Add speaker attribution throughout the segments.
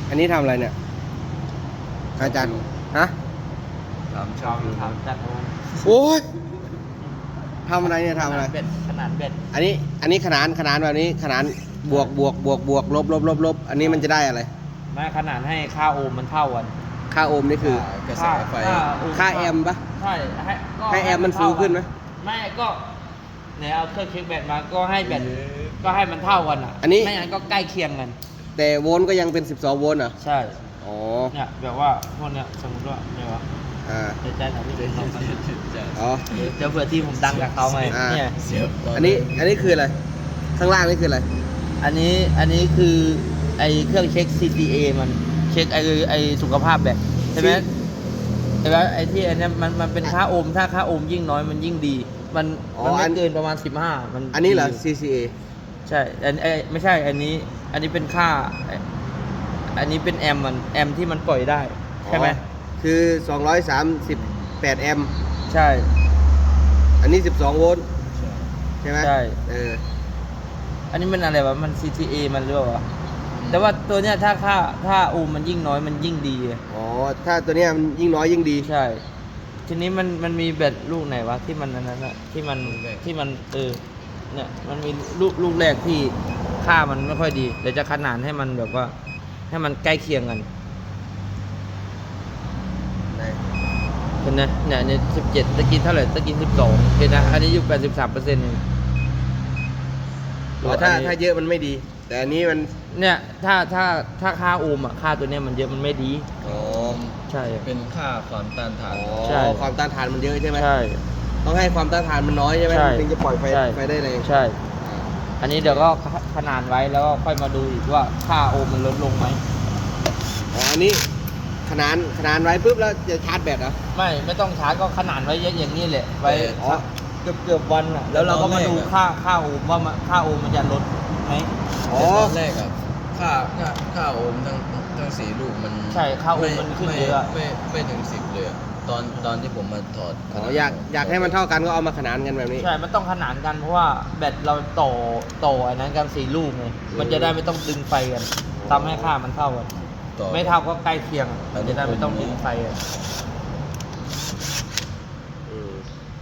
Speaker 1: อันนี้ทำอะไรเนี่ยอาจารย์ฮะ
Speaker 2: ถามจัดโอน
Speaker 1: โอ้ยทำอะไรเนี่ยทำอะไร
Speaker 2: เบ็ดขนาดเบ็ด
Speaker 1: อันนี้ขนานแบบนี้ขนานบวกลบอันนี้มันจะได้อะไร
Speaker 2: ไม่ขนาดให้ค่าโอห์มมันเท่ากัน
Speaker 1: ค่าโอห์มนี่คือ
Speaker 3: กระแสไฟ
Speaker 1: ค่าแอมป์ปะ
Speaker 2: ใช่ก็
Speaker 1: ให้แอมป์มันฟูขึ้นไหม
Speaker 2: ไม่ก็เนี่ยเอาเครื่องเช็คแบตมาก็ให้แบตก็ให้มันเท่ากันอ่ะ
Speaker 1: อันนี้
Speaker 2: ไม่งั้นก็ใกล้เคียงกัน
Speaker 1: แต่โวลต์ก็ยังเป็น12โวลต์เหรอ
Speaker 2: ใช่
Speaker 1: อ๋อ
Speaker 2: เนี่ยแบบว่าพวกเนี้ยสมมติว่าเนี่ยวะ
Speaker 1: อ่า
Speaker 2: เดี๋ยวใจหน่อยพี่เดี๋ยวลองกัน
Speaker 1: อ๋อ
Speaker 2: เดี๋ยวเผื่อที่ผมดังกับเขาไง
Speaker 1: อ่า
Speaker 2: เนี่ย
Speaker 1: อันนี้คืออะไรข้างล่างนี่คืออะไร
Speaker 2: อันนี้คือไอเครื่องเช็ค CTA มันเช็คไอสุขภาพแบบใช่ไหมใช่ไหมไอที่อันเนี้ยมันเป็นค่าโอห์มถ้าค่าโอห์มยิ่งน้อยมันยิ่งดี มันไม่เกินประมาณ15มัน
Speaker 1: อันนี้เหรอ
Speaker 2: ดี
Speaker 1: CCA
Speaker 2: ใช่ไม่ใช่อันนี้เป็นค่าอันนี้เป็นแอมที่มันปล่อยได้ใช่ไหม
Speaker 1: อ๋อคือ238แอมป์
Speaker 2: ใช่
Speaker 1: อันนี้12โวลต์ใช่ไหม
Speaker 2: ใช่
Speaker 1: อันนี้
Speaker 2: มันอะไรวะมัน CTA มันหรือเปล่าวะแต่ว่าตัวเนี้ยถ้าโอห์มมันยิ่งน้อยมันยิ่งดี
Speaker 1: อ๋อถ้าตัวเนี้ยมันยิ่งน้อยยิ่งดี
Speaker 2: ใช่ ทีนี้มันมีแบตลูกไหนวะที่มันนั้นอะที่มันเนี่ยมันมีลูกแรกที่ค่ามันไม่ค่อยดีเดี๋ยวจะขนานให้มันแบบว่าให้มันใกล้เคียงกันเห็นไหมเนี่ย17ตะกี้เท่าไหร่ตะกี้12เห็นนะอันนี้อยู่83%เอง
Speaker 1: อ๋อถ้าเยอะมันไม่ดี แต่อันนี้มัน
Speaker 2: เนี่ยถ้าค่าโอห์มอะค่าตัวเนี้ยมันเยอะมันไม่ดี
Speaker 1: อ๋อ
Speaker 2: ใช่
Speaker 3: เป็นค่าความต้านทาน
Speaker 2: ใช่
Speaker 1: ความต้านทานมันเยอะใช่ไหม
Speaker 2: ใช่
Speaker 1: ต้องให้ความต้านทานมันน้อยใช่ไหม
Speaker 2: ใช่
Speaker 1: ถึงจะปล่อยไฟ
Speaker 2: ใช่
Speaker 1: ได้แรง
Speaker 2: ใช่ อันนี้เดี๋ยวก็ขนานไว้แล้วก็ค่อยมาดูอีกว่าค่าโอห์มมันลดลงไหม
Speaker 1: อ๋ออันนี้ขนานไว้ปุ๊บแล้วจะชาร์จแบตเหรอ
Speaker 2: ไม่ต้องชาร์จก็ขนานไว้เยอะอย่างนี้แหละไว้
Speaker 1: อ๋อ
Speaker 2: เกือบวันอ่ะแล้วเราก็มาดูค่าโอห์มว่าค่าโอห์มมันจะลดไหม
Speaker 1: อ๋อ
Speaker 3: แต่ตอนแรกอะค่าโอห์มทั้ง4ลูกมัน
Speaker 2: ใช่ค่าโอห์มมันขึ้นเยอะอะ
Speaker 3: ไม่ถึง10เลยอะตอนที่ผมมาถอด
Speaker 1: อ๋ออยากให้มันเท่ากันก็เอามาขนานกันแบบนี้
Speaker 2: ใช่มันต้องขนานกันเพราะว่าแบตเราต่ออันนั้นกัน4 ลูกไงมันจะได้ไม่ต้องดึงไฟกันทำให้ค่ามันเท่ากัน
Speaker 3: ต่อ
Speaker 2: ไม่เท่าก็ใกล้เคียงมันจะได้ไม่ต้องดึงไฟกัน
Speaker 1: อืม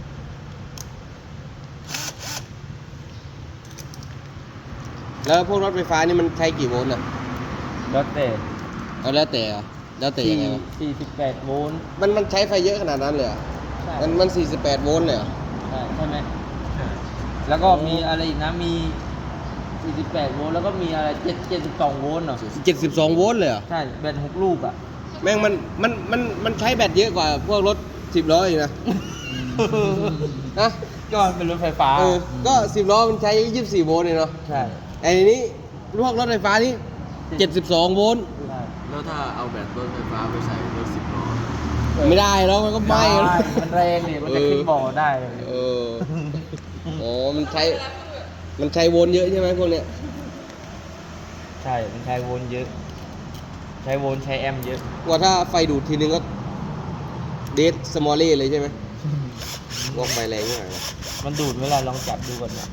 Speaker 1: แล้วพวกรถไฟฟ้านี่มันใช้กี่โวลต์อ่ะ
Speaker 2: แล้วแต่
Speaker 1: เอาแล้วแต่เหรอแล้วแต่ยังไงวะ
Speaker 2: 48 โวลต์
Speaker 1: มันใช้ไฟเยอะขนาดนั้นเลยเหรอ
Speaker 2: ใช่
Speaker 1: มัน48โวลต์เลยเหรอ
Speaker 2: ใช่ไหมแล้วก็มีอะไรอีกนะมี 48 โวลต์แล้วก็มีอะไร72 โวลต์เหรอ
Speaker 1: 72โวลต์เลยเหรอ
Speaker 2: ใช่แบต6 ลูกอ่ะ
Speaker 1: แม่งมันใช้แบตเยอะกว่าพวกรถ10ล้ออีกนะนะ
Speaker 2: ก็มันเป็นรถไฟฟ้า
Speaker 1: ก็10ล้อมันใช้24โวลต์เลยเนาะ
Speaker 2: ใช่
Speaker 1: ไอ้นี้พวกรถไฟฟ้านี่72โวลต์
Speaker 2: ใช่
Speaker 3: แล้วถ้าเอาแบตรถไฟฟ้าไปใส่รถ10 ล้อ
Speaker 1: ไม่ได้แล้วมันก็ไหม้แล้ว
Speaker 2: มันแรงดิมันจะขึ้นบ่อได้
Speaker 1: เอออ๋อมันใช้โวลต์เยอะใช่ไหมพวกเนี้ย
Speaker 2: ใช่ มันใช้โวลต์เยอะ ใช้โวลต์ใช้แอมป์เยอะ
Speaker 1: ว่าถ้าไฟดูดทีนึงก็เดทสมอลเล่เลยใช่ไหมวอกไฟแรงมากเลย
Speaker 2: มันดูดเวลาลองจับดูก่อนนะ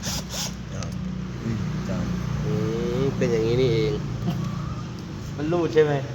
Speaker 3: จ้า
Speaker 1: เป็นอย่างนี้นี่เอง
Speaker 2: มันรูดใช่ไหม